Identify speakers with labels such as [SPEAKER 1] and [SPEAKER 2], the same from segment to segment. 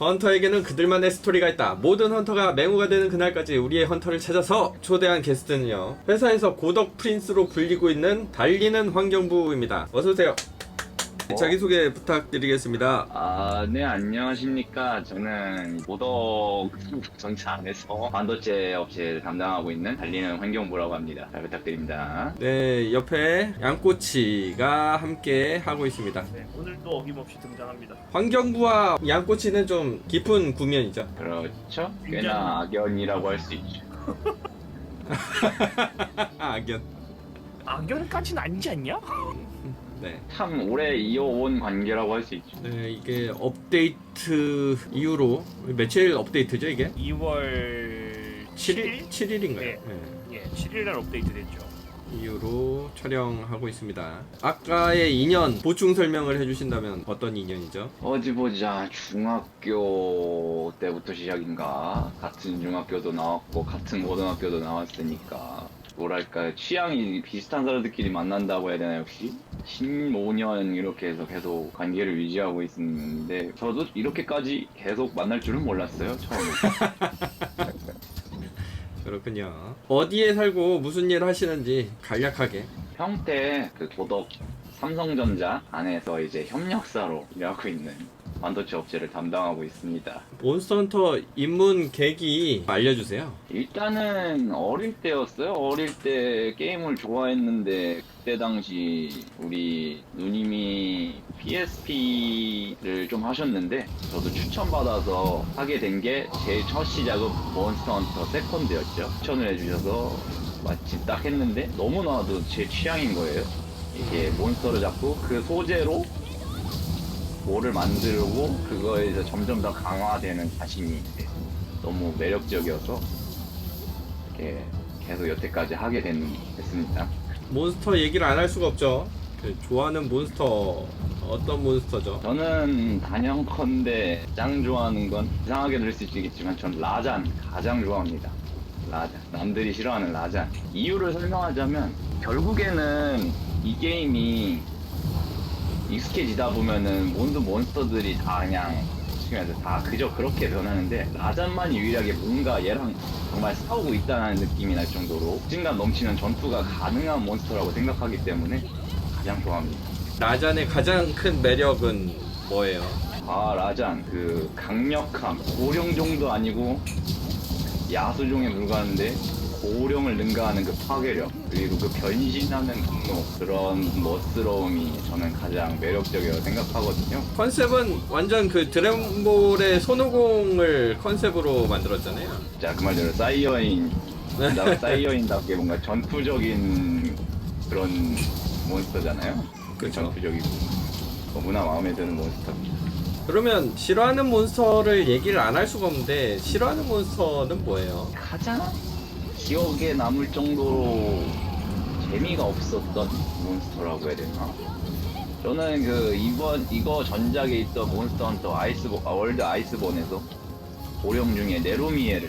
[SPEAKER 1] 헌터에게는 그들만의 스토리가 있다. 모든 헌터가 맹우가 되는 그날까지 우리의 헌터를 찾아서. 초대한 게스트는요, 회사에서 고덕 프린스로 불리고 있는 달리는 환경부입니다. 어서오세요. 자기소개 부탁드리겠습니다.
[SPEAKER 2] 네, 안녕하십니까. 저는 고덕 전차 안에서 반도체 업체를 담당하고 있는 달리는 환경부라고 합니다. 잘 부탁드립니다.
[SPEAKER 1] 네, 옆에 양꼬치가 함께 하고 있습니다.
[SPEAKER 3] 네, 오늘도 어김없이 등장합니다.
[SPEAKER 1] 환경부와 양꼬치는 좀 깊은 구면이죠.
[SPEAKER 2] 그렇죠? 꽤나 악연이라고 할 수 있죠.
[SPEAKER 1] 악연.
[SPEAKER 3] 악연까지는 아니지 않냐?
[SPEAKER 1] 네.
[SPEAKER 2] 참 오래 이어온 관계라고 할 수 있죠.
[SPEAKER 1] 네, 이게 업데이트 이후로 며칠 업데이트죠, 이게?
[SPEAKER 3] 2월
[SPEAKER 1] 7일? 7일인가요?
[SPEAKER 3] 네.
[SPEAKER 1] 네.
[SPEAKER 3] 예, 7일날 업데이트 됐죠.
[SPEAKER 1] 이후로 촬영하고 있습니다. 아까의 인연 보충 설명을 해주신다면 어떤 인연이죠?
[SPEAKER 2] 어디 보자. 중학교 때부터 시작인가. 같은 중학교도 나왔고 같은 고등학교도 나왔으니까 뭐랄까 취향이 비슷한 사람들끼리 만난다고 해야 되나 역시 15년 이렇게 해서 계속 관계를 유지하고 있는데 저도 이렇게까지 계속 만날 줄은 몰랐어요 처음에.
[SPEAKER 1] 그렇군요. 어디에 살고 무슨 일 하시는지 간략하게.
[SPEAKER 2] 평택 그 고덕 삼성전자 안에서 이제 협력사로 일하고 있는 반도체 업체를 담당하고 있습니다.
[SPEAKER 1] 몬스터헌터 입문 계기 알려주세요.
[SPEAKER 2] 일단은 어릴 때였어요. 어릴 때 게임을 좋아했는데 그때 당시 우리 누님이 PSP를 좀 하셨는데 저도 추천받아서 하게 된 게 제 첫 시작은 몬스터헌터 세컨드였죠. 추천을 해주셔서 마침 딱 했는데 너무나도 제 취향인 거예요. 이게 몬스터를 잡고 그 소재로 뭐를 만들고 그거에서 점점 더 강화되는 자신이 너무 매력적이어서 이렇게 계속 여태까지 하게 됐습니다.
[SPEAKER 1] 몬스터 얘기를 안 할 수가 없죠. 좋아하는 몬스터 어떤 몬스터죠?
[SPEAKER 2] 저는 단연컨대 가장 좋아하는 건 이상하게 들릴 수 있겠지만 전 라잔 가장 좋아합니다. 라잔. 남들이 싫어하는 라잔. 이유를 설명하자면 결국에는 이 게임이 익숙해지다 보면은 모든 몬스터들이 다 그냥 다 그저 그렇게 변하는데 라잔만이 유일하게 뭔가 얘랑 정말 싸우고 있다는 느낌이 날 정도로 박진감 넘치는 전투가 가능한 몬스터라고 생각하기 때문에 가장 좋아합니다.
[SPEAKER 1] 라잔의 가장 큰 매력은 뭐예요?
[SPEAKER 2] 라잔 그 강력함 고령 정도 아니고 야수종에 불과한데 고령을 능가하는 그 파괴력 그리고 그 변신하는 분노 그런 멋스러움이 저는 가장 매력적이라고 생각하거든요.
[SPEAKER 1] 컨셉은 완전 그 드래곤볼의 손오공을 컨셉으로 만들었잖아요.
[SPEAKER 2] 자, 그 말대로 사이어인답게 뭔가 전투적인 그런 몬스터잖아요. 그
[SPEAKER 1] 그쵸.
[SPEAKER 2] 전투적이고 너무나 마음에 드는 몬스터입니다.
[SPEAKER 1] 그러면 싫어하는 몬스터를 얘기를 안 할 수가 없는데 싫어하는 몬스터는 뭐예요?
[SPEAKER 2] 가장 기억에 남을 정도로 재미가 없었던 몬스터라고 해야 되나? 저는 이거 전작에 있던 몬스터 헌터 월드 아이스본에서 고령 중에 네로미에를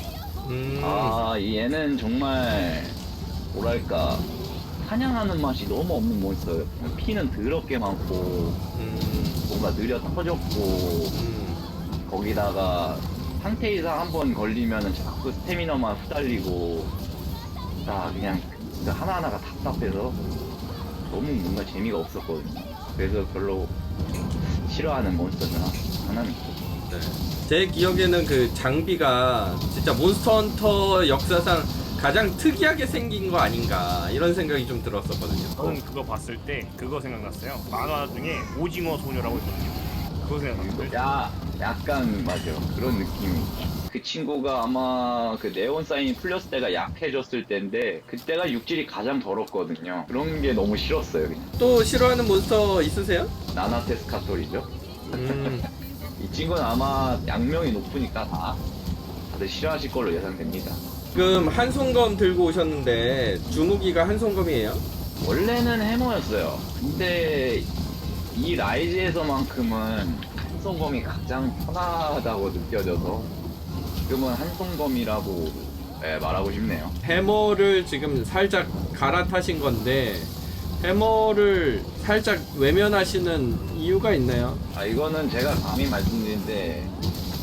[SPEAKER 2] 얘는 정말 뭐랄까 사냥하는 맛이 너무 없는 몬스터예요. 피는 더럽게 많고 뭔가 느려 터졌고 거기다가 상태 이상 한 번 걸리면은 자꾸 스태미너만 후달리고 그냥 하나하나가 답답해서 너무 뭔가 재미가 없었거든요. 그래서 별로 싫어하는 몬스터 중 하나입니다.
[SPEAKER 1] 네. 제 기억에는 그 장비가 진짜 몬스터헌터 역사상 가장 특이하게 생긴 거 아닌가 이런 생각이 좀 들었었거든요.
[SPEAKER 3] 저는 그거 봤을 때 그거 생각났어요. 만화 중에 오징어 소녀라고 있거든요. 그거 생각났어요.
[SPEAKER 2] 약간 맞아요. 그런 느낌이. 그 친구가 아마 그 네온 사인이 풀렸을 때가 약해졌을 때인데 그때가 육질이 가장 더럽거든요. 그런 게 너무 싫었어요. 그냥.
[SPEAKER 1] 또 싫어하는 몬스터 있으세요?
[SPEAKER 2] 나나테스카토리죠. 이 친구는 아마 양명이 높으니까 다들 싫어하실 걸로 예상됩니다.
[SPEAKER 1] 지금 한손검 들고 오셨는데 주무기가 한손검이에요?
[SPEAKER 2] 원래는 해머였어요. 근데 이 라이즈에서만큼은 한손검이 가장 편하다고 느껴져서 지금은 한손검이라고 말하고 싶네요.
[SPEAKER 1] 해머를 지금 살짝 갈아타신 건데 해머를 살짝 외면하시는 이유가 있나요?
[SPEAKER 2] 이거는 제가 감히 말씀드리는데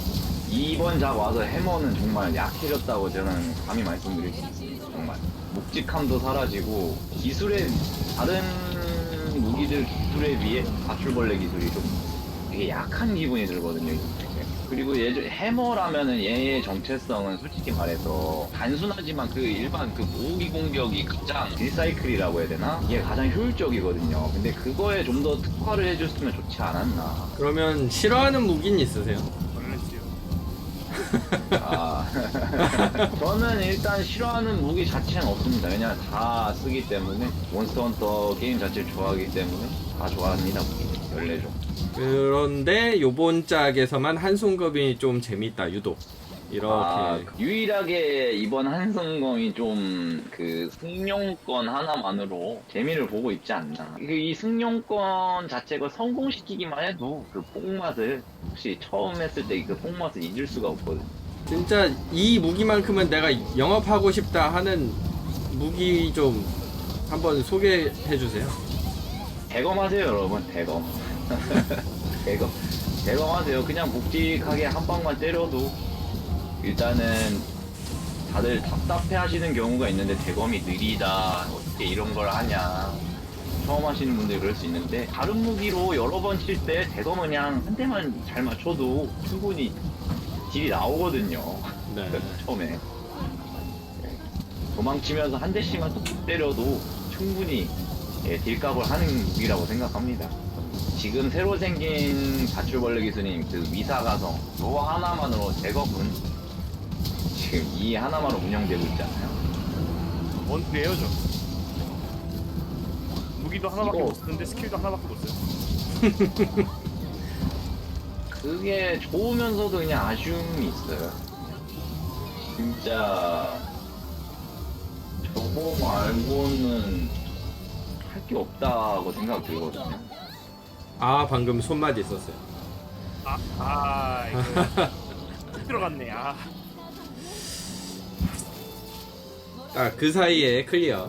[SPEAKER 2] 이번 작 와서 해머는 정말 약해졌다고 저는 감히 말씀드릴 수 있습니다. 정말 묵직함도 사라지고 기술의 다른 무기들 기술에 비해 가출벌레 기술이 좀 되게 약한 기분이 들거든요. 그리고 예전 해머라면은 얘의 정체성은 솔직히 말해서 단순하지만 그 일반 그 모으기 공격이 가장 딜사이클이라고 해야 되나? 이게 가장 효율적이거든요. 근데 그거에 좀 더 특화를 해줬으면 좋지 않았나.
[SPEAKER 1] 그러면 싫어하는 무기는 있으세요?
[SPEAKER 3] 벌레지요.
[SPEAKER 2] 아, 저는 일단 싫어하는 무기 자체는 없습니다. 왜냐면 다 쓰기 때문에 몬스터 헌터 게임 자체를 좋아하기 때문에 다 좋아합니다. 무기 14종.
[SPEAKER 1] 그런데 요번 짝에서만 한손검이 좀 재밌다 유독 이렇게.
[SPEAKER 2] 유일하게 이번 한성검이 좀 그 승용권 하나만으로 재미를 보고 있지 않나. 이 승용권 자체가 성공시키기만 해도 그 뽕맛을 혹시 처음 했을 때 그 뽕맛을 잊을 수가 없거든.
[SPEAKER 1] 진짜 이 무기만큼은 내가 영업하고 싶다 하는 무기 좀 한번 소개해 주세요.
[SPEAKER 2] 대검하세요 여러분. 대검. 대검하세요. 그냥 묵직하게 한 방만 때려도 일단은 다들 답답해 하시는 경우가 있는데 대검이 느리다 어떻게 이런 걸 하냐 처음 하시는 분들이 그럴 수 있는데 다른 무기로 여러 번 칠 때 대검은 그냥 한 대만 잘 맞춰도 충분히 딜이 나오거든요.
[SPEAKER 1] 네.
[SPEAKER 2] 처음에 도망치면서 한 대씩만 뚝뚝 때려도 충분히 딜값을 하는 무기라고 생각합니다. 지금 새로 생긴 가출벌레 기술인 그 위사가성 요 하나만으로 대검은 지금 이 하나만으로 운영되고 있잖아요.
[SPEAKER 3] 원투예요 저. 무기도 하나밖에
[SPEAKER 2] 이거-
[SPEAKER 3] 못 쓰는데 스킬도 하나밖에 못 써요.
[SPEAKER 2] 그게 좋으면서도 그냥 아쉬움이 있어요. 진짜 저거 말고는 할 게 없다고 생각 들거든요.
[SPEAKER 1] 아 방금 손맛 있었어요.
[SPEAKER 3] 이거 들어갔네.
[SPEAKER 1] 아 그 사이에 클리어.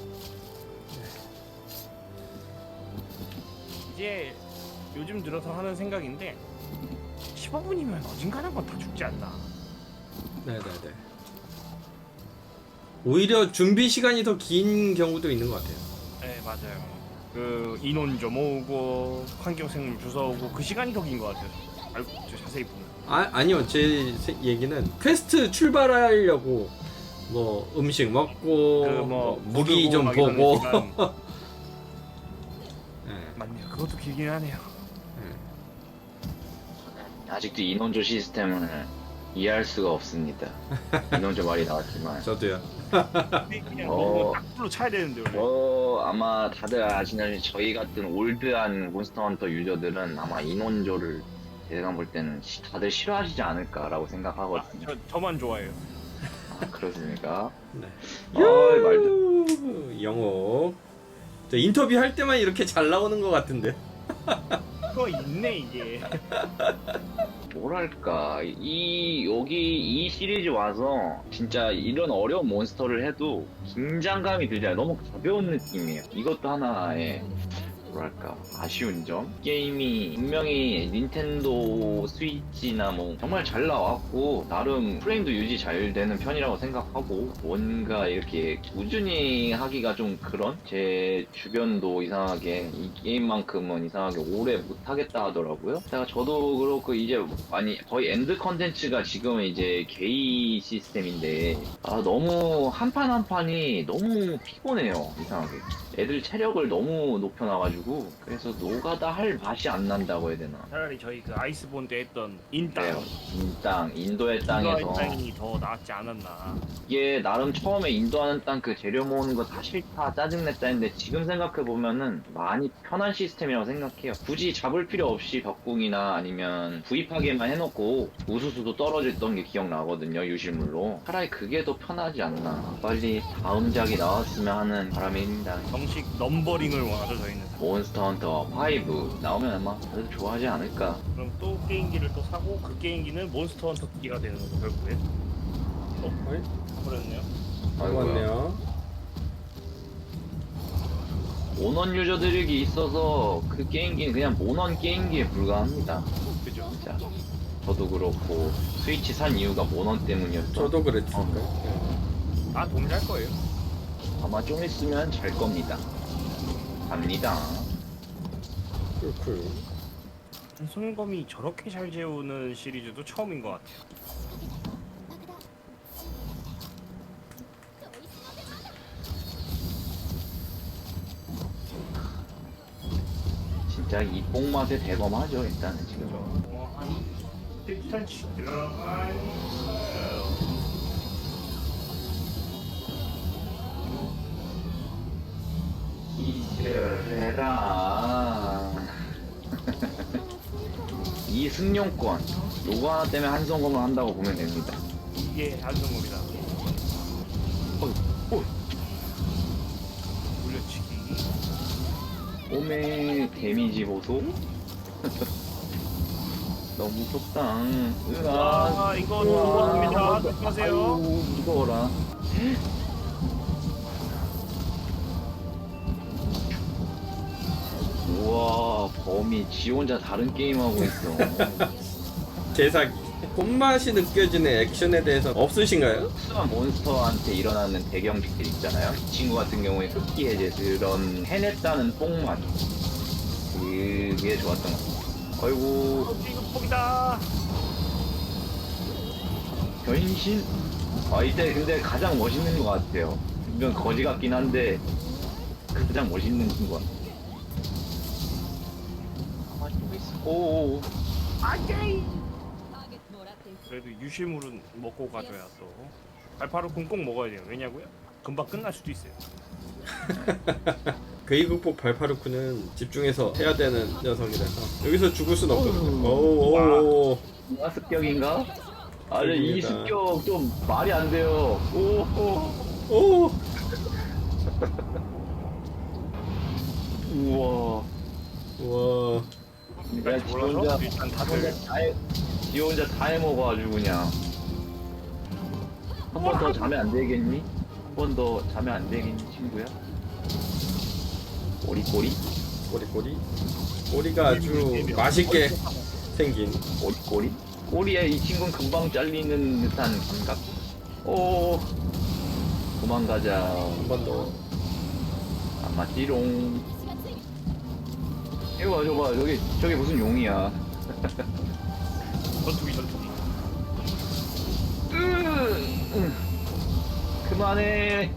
[SPEAKER 3] 이제 요즘 들어서 하는 생각인데 15분이면 어딘가는 건 다 죽지 않나.
[SPEAKER 1] 네네네. 오히려 준비 시간이 더 긴 경우도 있는 것 같아요.
[SPEAKER 3] 네 맞아요. 그 인원 좀 모으고 환경생물 주워오고 그 시간이 더 긴 것 같아요. 알고 저 자세히 보면.
[SPEAKER 1] 아니요 제 얘기는 퀘스트 출발하려고 뭐 음식 먹고
[SPEAKER 3] 뭐
[SPEAKER 1] 무기
[SPEAKER 3] 보고
[SPEAKER 1] 좀
[SPEAKER 3] 막 이러는
[SPEAKER 1] 보고.
[SPEAKER 3] 시간.
[SPEAKER 1] 네.
[SPEAKER 3] 맞네요. 그것도 길긴 하네요.
[SPEAKER 2] 아직도 인원조 시스템을 이해할 수가 없습니다. 인원조 말이 나왔지만
[SPEAKER 1] 저도요.
[SPEAKER 3] 근데 그냥 너무 딱불로 차야 되는데 원래.
[SPEAKER 2] 아마 다들 아시다시피 저희 같은 올드한 몬스터 헌터 유저들은 아마 인원조를 제가 볼 때는 다들 싫어하시지 않을까라고 생각하거든요.
[SPEAKER 3] 저만 좋아해요.
[SPEAKER 2] 그렇습니까?
[SPEAKER 1] 네.
[SPEAKER 2] 말도
[SPEAKER 1] 영호. 저 인터뷰 할 때만 이렇게 잘 나오는 것 같은데.
[SPEAKER 3] 그거 있네 이게.
[SPEAKER 2] 뭐랄까 여기 이 시리즈 와서 진짜 이런 어려운 몬스터를 해도 긴장감이 들지 않아요. 너무 가벼운 느낌이에요. 이것도 하나의 뭐랄까 아쉬운 점. 게임이 분명히 닌텐도 스위치나 뭐 정말 잘 나왔고 나름 프레임도 유지 잘 되는 편이라고 생각하고 뭔가 이렇게 꾸준히 하기가 좀 그런 제 주변도 이상하게 이 게임만큼은 이상하게 오래 못하겠다 하더라고요. 제가 저도 그렇고 이제 많이 거의 엔드 컨텐츠가 지금은 이제 게이 시스템인데 너무 한 판 한 판이 너무 피곤해요. 이상하게 애들 체력을 너무 높여놔가지고 그래서 노가다 할 맛이 안 난다고 해야 되나.
[SPEAKER 3] 차라리 저희 그 아이스본 때 했던 인땅.
[SPEAKER 2] 네, 인도의 땅에서
[SPEAKER 3] 땅이 더 낫지 않았나.
[SPEAKER 2] 이게 나름 처음에 인도하는 땅 그 재료 모으는 거 다 싫다 짜증냈다 했는데 지금 생각해보면은 많이 편한 시스템이라고 생각해요. 굳이 잡을 필요 없이 벽궁이나 아니면 구입하게만 해놓고 우수수도 떨어졌던 게 기억나거든요. 유실물로. 차라리 그게 더 편하지 않나. 빨리 다음 작이 나왔으면 하는 바람입니다.
[SPEAKER 3] 정식 넘버링을 원하죠 저희는.
[SPEAKER 2] 몬스터 헌터 5 나오면 아마 다들 좋아하지 않을까.
[SPEAKER 3] 그럼 또 게임기를 또 사고 그 게임기는 몬스터 헌터 기가 되는 거죠 결국에. 그랬네요.
[SPEAKER 1] 맞네요.
[SPEAKER 2] 모넌 유저들이 있어서 그 게임기는 그냥 모넌 게임기에 불과합니다.
[SPEAKER 3] 그죠.
[SPEAKER 2] 진짜. 저도 그렇고 스위치 산 이유가 모넌 때문이었죠.
[SPEAKER 1] 저도 그랬을까요?
[SPEAKER 3] 아 도움 잘 거예요.
[SPEAKER 2] 아마 좀 있으면 잘 겁니다. 갑니다.
[SPEAKER 1] 그렇고요.
[SPEAKER 3] 손검이 저렇게 잘 재우는 시리즈도 처음인 것 같아요.
[SPEAKER 2] 진짜 이 뽕맛에 대범하죠. 일단은 지금.
[SPEAKER 3] 일단 들어가요.
[SPEAKER 2] 이래라. 이 승용권 요거 하나 때문에 한성검을 한다고 보면 됩니다.
[SPEAKER 3] 이게 한성검이다. 물려치기.
[SPEAKER 2] 오메 데미지 보소. 너무 무섭다. 으아.
[SPEAKER 3] 아 이거 좋아합니다. 조심하세요.
[SPEAKER 2] 아이고, 무서워라. 우와, 범이 지 혼자 다른 게임 하고 있어.
[SPEAKER 1] 제사기. 손맛이 느껴지는 액션에 대해서 없으신가요?
[SPEAKER 2] 특수한 몬스터한테 일어나는 대경직들 있잖아요. 이 친구 같은 경우에 흡기 해제 그런 해냈다는 뽕맛. 그게 좋았던 것 같아요. 아이고,
[SPEAKER 3] 이거 폭이다.
[SPEAKER 2] 변신? 아, 이때 근데 가장 멋있는 것 같아요. 이건 거지 같긴 한데, 가장 멋있는 친구 같아요. 오,
[SPEAKER 3] 그래도 유실물은 먹고 가줘야 또. 발파르 꼭 먹어야 돼요. 왜냐고요? 금방 끝날 수도 있어요.
[SPEAKER 1] 괴이 극복 발파르쿠는 집중해서 해야 되는 녀석이라서 여기서 죽을 순 없거든요.
[SPEAKER 2] 와.
[SPEAKER 1] 오오오.
[SPEAKER 2] 누가 습격인가? 아니, 이
[SPEAKER 1] 습격입니다.
[SPEAKER 2] 습격 좀 말이 안 돼요. 오,
[SPEAKER 1] 오.
[SPEAKER 2] 우와.
[SPEAKER 1] 우와.
[SPEAKER 2] 내가 지 혼자,
[SPEAKER 3] 일단 다들
[SPEAKER 2] 지 혼자 다 해먹어 아주 그냥. 한 번 더 자면 안 되겠니? 한 번 더 자면 안 되겠니, 친구야? 꼬리꼬리?
[SPEAKER 1] 꼬리꼬리. 꼬리가 아주 맛있게 생긴.
[SPEAKER 2] 꼬리꼬리? 꼬리에 이 친구는 금방 잘리는 듯한 감각. 오, 도망가자.
[SPEAKER 1] 한 번 더.
[SPEAKER 2] 안 맞지롱. 이거 봐, 저거 봐. 저기 무슨 용이야.
[SPEAKER 3] 전투기.
[SPEAKER 2] 그만해.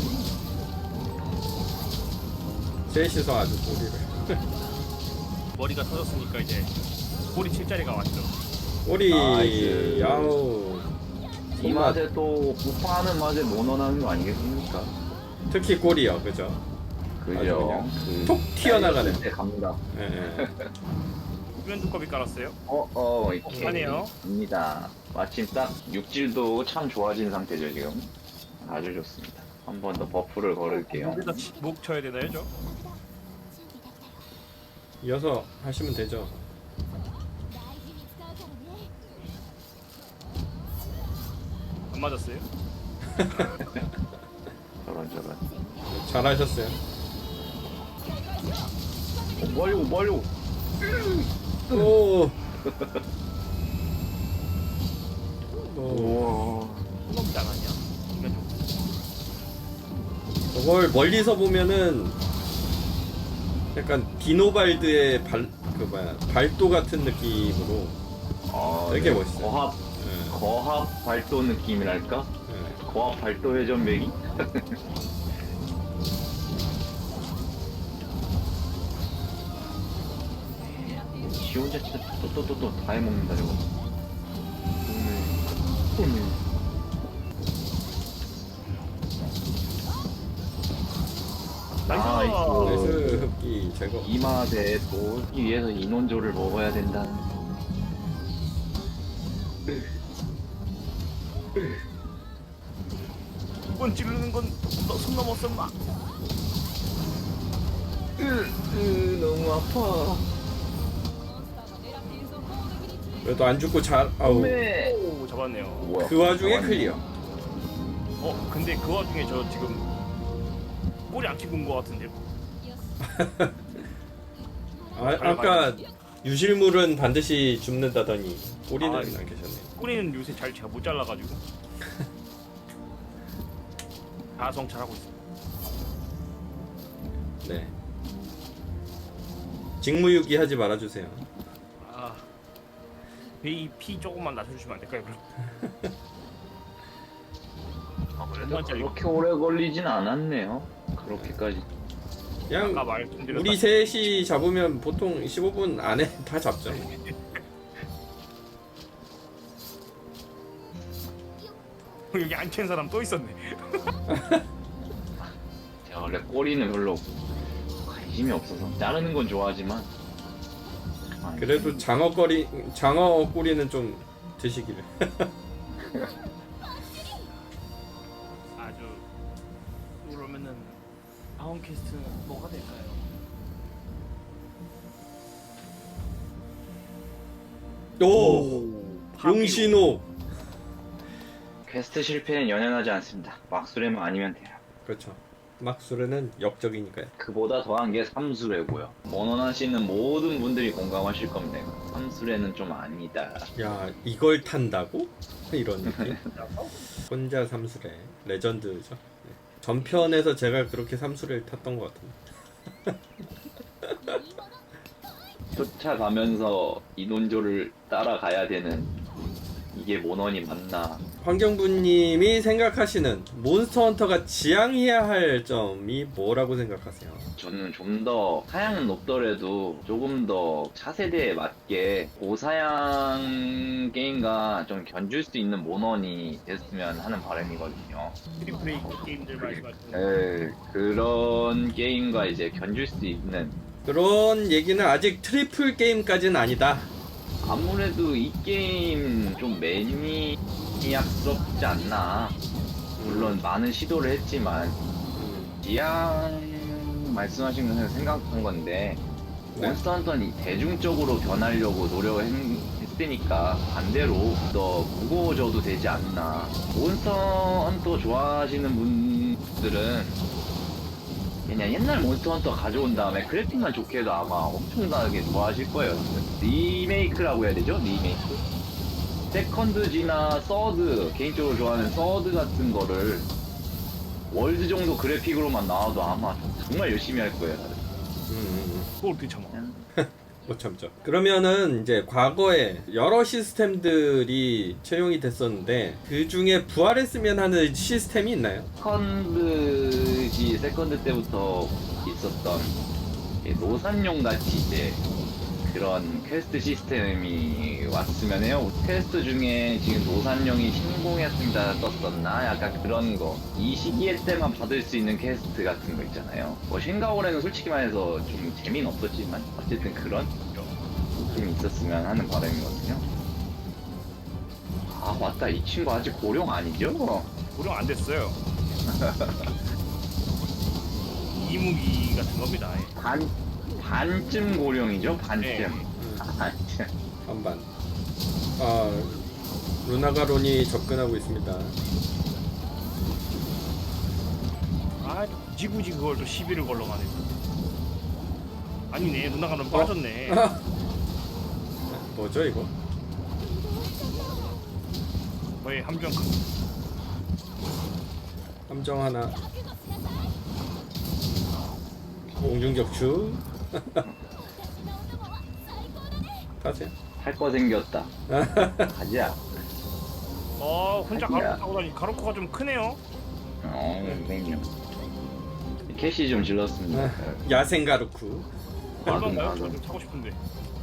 [SPEAKER 1] 셋이서 아주 꼬리를.
[SPEAKER 3] 머리가 터졌으니까 이제 꼬리 칠 자리가 왔죠.
[SPEAKER 1] 꼬리.
[SPEAKER 2] 나이스.
[SPEAKER 1] 야우.
[SPEAKER 2] 이 맛에 또 부파하는 맛에 모논하는 거 아니겠습니까?
[SPEAKER 1] 특히 꼬리요, 그죠?
[SPEAKER 2] 그죠?
[SPEAKER 1] 톡 튀어나가네.
[SPEAKER 2] 네, 갑니다.
[SPEAKER 1] 예, 예.
[SPEAKER 3] 후면 두꺼비 깔았어요.
[SPEAKER 2] 이렇게
[SPEAKER 3] 하네요.
[SPEAKER 2] 갑니다. 마침 딱 육질도 참 좋아진 상태죠, 지금. 아주 좋습니다. 한 번 더 버프를 걸을게요.
[SPEAKER 3] 여기다 목 쳐야 되나요, 저?
[SPEAKER 1] 이어서 하시면 되죠.
[SPEAKER 3] 안 맞았어요?
[SPEAKER 2] 저런.
[SPEAKER 1] 잘하셨어요.
[SPEAKER 2] 멀고.
[SPEAKER 1] 오. 오.
[SPEAKER 2] 우와.
[SPEAKER 3] 손놈 나가냐? 이면 좀.
[SPEAKER 1] 저걸 멀리서 보면은 약간 디노발드의 발도 같은 느낌으로 되게 멋있어요.
[SPEAKER 2] 거합 발도 느낌이랄까?
[SPEAKER 1] 예.
[SPEAKER 2] 거합 발도 회전배기? 지 혼자 진짜 또 다 해먹는다 저거. 오늘.
[SPEAKER 3] 나이스.
[SPEAKER 1] 나이스 흡기 제거.
[SPEAKER 2] 이 맛에 또 흡기 위해서 인원조를 먹어야 된다는.
[SPEAKER 3] 두번 찌르는 건 손 넘었어, 마.
[SPEAKER 2] 너무 아파.
[SPEAKER 1] 그래도 안 죽고 잘. 아우.
[SPEAKER 2] 네.
[SPEAKER 3] 오, 잡았네요.
[SPEAKER 2] 뭐야?
[SPEAKER 1] 그 와중에
[SPEAKER 2] 잡았네.
[SPEAKER 1] 클리어.
[SPEAKER 3] 근데 그 와중에 저 지금 꼬리 안 튀고 온것 같은데.
[SPEAKER 1] 아까 유실물은 반드시 줍는다더니 꼬리는
[SPEAKER 3] 아,
[SPEAKER 1] 안 계셨네.
[SPEAKER 3] 꼬리는 요새 잘 제가 못 잘라가지고 다 성찰하고 있어.
[SPEAKER 1] 네. 직무유기 하지 말아주세요.
[SPEAKER 3] 아, 베이 피 조금만 낮춰주시면 안 될까요, 그럼? 아, 그래?
[SPEAKER 2] 근데 그렇게 오래 걸리진 않았네요. 그렇게까지.
[SPEAKER 1] 그냥
[SPEAKER 3] 아까 말씀드렸다.
[SPEAKER 1] 우리 셋이 잡으면 보통 15분 안에 다 잡죠.
[SPEAKER 3] 여기 안 캔 사람 또 있었네.
[SPEAKER 2] 제가 원래 꼬리는 별로 관심이 없어서 자르는 건 좋아하지만
[SPEAKER 1] 그래도 장어 꼬리는 좀 드시기를.
[SPEAKER 3] 아주 그러면은 다음 퀘스트는 뭐가 될까요?
[SPEAKER 1] 오, 용신호.
[SPEAKER 2] 퀘스트 실패는 연연하지 않습니다. 막수레만 아니면 돼요.
[SPEAKER 1] 그렇죠. 막수르는 역적이니까요.
[SPEAKER 2] 그보다 더한 게 삼수레고요. 모논하시는 모든 분들이 공감하실 겁니다. 삼수레는 좀 아니다.
[SPEAKER 1] 야, 이걸 탄다고? 이런 느낌. 혼자 삼수래. 레전드죠. 네. 전편에서 제가 그렇게 삼수를 탔던 것 같은데.
[SPEAKER 2] 쫓아가면서 인원조를 따라가야 되는 이게 모논이 맞나?
[SPEAKER 1] 환경부님이 생각하시는 몬스터 헌터가 지향해야 할 점이 뭐라고 생각하세요?
[SPEAKER 2] 저는 좀 더 사양은 높더라도 조금 더 차세대에 맞게 고사양 게임과 좀 견줄 수 있는 모넌이 됐으면 하는 바람이거든요.
[SPEAKER 3] 트리플 A 게임들 말씀하시는
[SPEAKER 2] 그런 게임과 이제 견줄 수 있는
[SPEAKER 1] 그런 얘기는 아직 트리플 게임까지는 아니다.
[SPEAKER 2] 아무래도 이 게임 좀 매니악스럽지 않나. 물론 많은 시도를 했지만 지향 말씀하신 건 생각한 건데
[SPEAKER 1] 네.
[SPEAKER 2] 몬스터 헌터는 대중적으로 변하려고 노력했으니까 반대로 더 무거워져도 되지 않나. 몬스터 헌터 좋아하시는 분들은 그냥 옛날 몬스터 헌터 가져온 다음에 그래픽만 좋게 해도 아마 엄청나게 좋아하실 거예요. 리메이크라고 해야 되죠? 리메이크. 세컨드지나 서드, 개인적으로 좋아하는 서드 같은 거를 월드 정도 그래픽으로만 나와도 아마 정말 열심히 할 거예요.
[SPEAKER 3] 그걸 어떻게 참아?
[SPEAKER 1] 못 참죠. 그러면은 이제 과거에 여러 시스템들이 채용이 됐었는데 그 중에 부활했으면 하는 시스템이 있나요?
[SPEAKER 2] 세컨드 때부터 있었던 노산용 같이 이제 그런 퀘스트 시스템이 왔으면 해요. 퀘스트 중에 지금 노산용이 신공했습니다 떴었나? 약간 그런 거. 이 시기에 때만 받을 수 있는 퀘스트 같은 거 있잖아요. 뭐 쉔가오레는 솔직히 말해서 좀 재미는 없었지만 어쨌든 그런 느낌이 있었으면 하는 바람이거든요. 아 맞다, 이 친구 아직 고령 아니죠?
[SPEAKER 3] 고령 안 됐어요. 이무기 같은 겁니다. 예.
[SPEAKER 2] 반쯤 고령이죠? 반쯤.
[SPEAKER 3] 네.
[SPEAKER 2] 반쯤.
[SPEAKER 1] 반반. 아, 루나가론이 접근하고 있습니다.
[SPEAKER 3] 아, 굳이 그걸 또 시비를 걸러가네. 아니네, 누나가 너무 빠졌네.
[SPEAKER 1] 뭐죠 이거?
[SPEAKER 3] 거의 함정.
[SPEAKER 1] 함정 하나. 공중격추. 가세요.
[SPEAKER 2] 할 거 생겼다. 가자.
[SPEAKER 3] 혼자
[SPEAKER 2] 아니야.
[SPEAKER 3] 가로코 타고 다니. 가로코가 좀 크네요.
[SPEAKER 2] 선생님. 캐시 좀 질렀습니다.
[SPEAKER 1] 야생 가루쿠.
[SPEAKER 3] 얼마인가요?
[SPEAKER 2] 가금.
[SPEAKER 3] 저좀 타고 싶은데.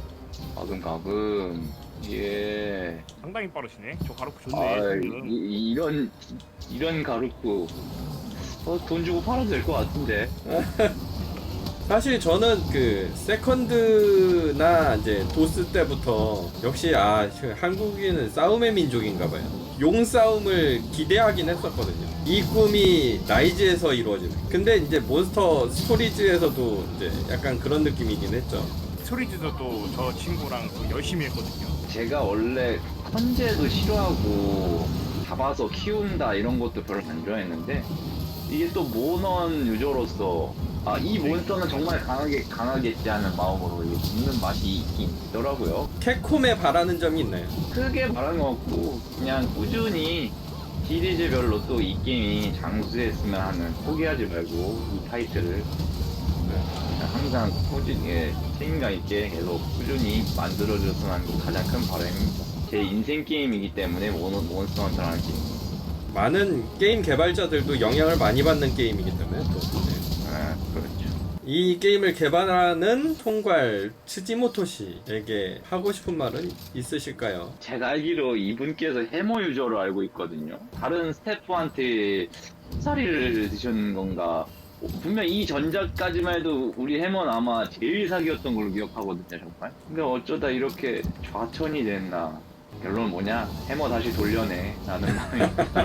[SPEAKER 2] 가금. 예.
[SPEAKER 3] 상당히 빠르시네. 저 가로코
[SPEAKER 2] 아,
[SPEAKER 3] 좋네. 지금.
[SPEAKER 2] 이런 가루쿠. 돈 주고 팔아도 될 것 같은데.
[SPEAKER 1] 사실 저는 그 세컨드나 이제 도스 때부터 역시 한국인은 싸움의 민족인가봐요. 용 싸움을 기대하긴 했었거든요. 이 꿈이 라이즈에서 이루어지는. 근데 이제 몬스터 스토리즈에서도 이제 약간 그런 느낌이긴 했죠.
[SPEAKER 3] 스토리즈도 또 저 친구랑 또 열심히 했거든요.
[SPEAKER 2] 제가 원래 컨제도 싫어하고 잡아서 키운다 이런 것도 별로 안 좋아했는데 이게 또 모넌 유저로서 이 몬스터는 정말 강하겠지 하는 마음으로 이게 먹는 맛이 있긴 있더라고요.
[SPEAKER 1] 캡콤에 바라는 점이 있나요? 크게
[SPEAKER 2] 바라는 거 없고 그냥 꾸준히 시리즈별로 또 이 게임이 장수했으면 하는, 포기하지 말고 이 타이틀을 항상 꾸준히 책임감 있게 계속 꾸준히 만들어줬으면 하는 게 가장 큰 바람입니다. 제 인생 게임이기 때문에 몬스터 헌터라는 게임.
[SPEAKER 1] 많은 게임 개발자들도 영향을 많이 받는 게임이기 때문에 또.
[SPEAKER 2] 그렇죠.
[SPEAKER 1] 이 게임을 개발하는 총괄 츠지모토 씨에게 하고 싶은 말은 있으실까요?
[SPEAKER 2] 제가 알기로 이분께서 해머 유저로 알고 있거든요. 다른 스태프한테 사리를 드셨는 건가? 분명 이 전작까지만 해도 우리 해머는 아마 제일 사기였던 걸로 기억하거든요, 정말. 근데 어쩌다 이렇게 좌천이 됐나? 결론은 뭐냐? 해머 다시 돌려내. 라는 마음이.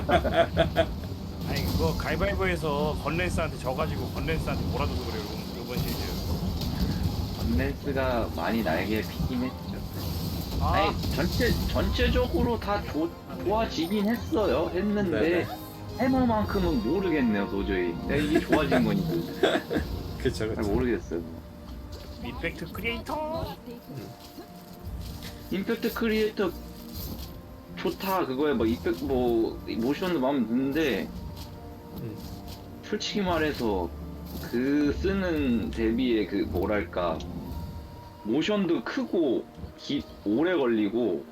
[SPEAKER 3] 아니 그거 가위바위보에서 건랜스한테 져가지고 건랜스한테 몰아줘서 그래요. 이번 시리즈.
[SPEAKER 2] 건랜스가 많이 날개 피긴 했죠.
[SPEAKER 3] 아,
[SPEAKER 2] 아니, 전체적으로 다 좋아지긴 했어요. 했는데,
[SPEAKER 1] 네네.
[SPEAKER 2] 해머만큼은 모르겠네요, 도저히. 내가 이게 좋아진 건지.
[SPEAKER 1] 그쵸
[SPEAKER 2] 잘
[SPEAKER 1] 그쵸.
[SPEAKER 2] 모르겠어요.
[SPEAKER 3] 임팩트 크리에이터.
[SPEAKER 2] 임팩트 크리에이터 좋다. 그거에 막 임팩트 모션도 마음에 드는데, 솔직히 말해서 그 쓰는 대비의 그 뭐랄까, 모션도 크고 오래 걸리고,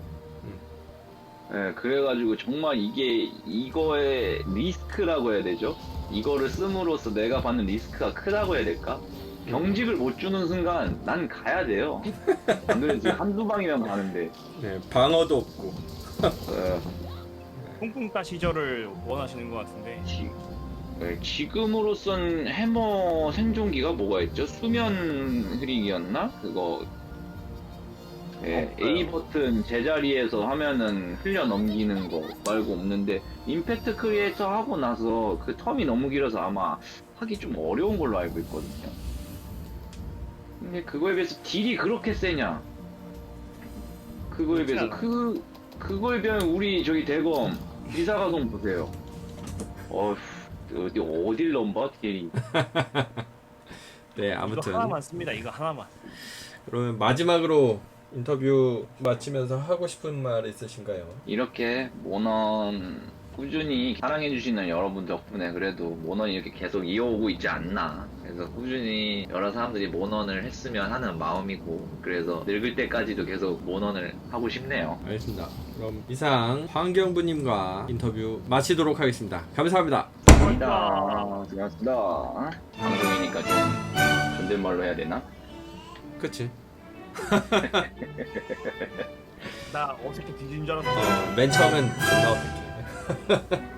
[SPEAKER 2] 그래가지고 정말 이거의 리스크라고 해야 되죠? 이거를 씀으로써 내가 받는 리스크가 크다고 해야 될까? 경직을 못 주는 순간 난 가야 돼요. 안 그래도 지금 한두 방이면 가는데.
[SPEAKER 1] 네, 방어도 없고.
[SPEAKER 3] 뿡뿡따 시절을 원하시는 것 같은데.
[SPEAKER 2] 지금으로선 해머 생존기가 뭐가 있죠? 수면 흐리기였나? 그거 A 버튼 제자리에서 하면은 흘려 넘기는 거 말고 없는데, 임팩트 크리에이터 하고 나서 그 텀이 너무 길어서 아마 하기 좀 어려운 걸로 알고 있거든요. 근데 그거에 비해서 딜이 그렇게 세냐? 그거에 비해서 그거에 비하면 우리 저기 대검 이사가동 보세요. 어딜 넘봐 딜이.
[SPEAKER 1] 네
[SPEAKER 3] 이거
[SPEAKER 1] 아무튼
[SPEAKER 3] 하나만 씁니다. 이거 하나만.
[SPEAKER 1] 그러면 마지막으로 인터뷰 마치면서 하고 싶은 말 있으신가요?
[SPEAKER 2] 이렇게 모넌 꾸준히 사랑해주시는 여러분 덕분에 그래도 모넌이 이렇게 계속 이어오고 있지 않나. 그래서 꾸준히 여러 사람들이 모넌을 했으면 하는 마음이고, 그래서 늙을 때까지도 계속 모넌을 하고 싶네요.
[SPEAKER 1] 알겠습니다. 그럼 이상 황경부님과 인터뷰 마치도록 하겠습니다. 감사합니다.
[SPEAKER 2] 고맙습니다. 방송이니까 좀 존댓말로 해야 되나?
[SPEAKER 1] 그치?
[SPEAKER 3] 나 어색해 뒤진 줄 알았어.
[SPEAKER 1] 맨 처음엔 존나 어색해.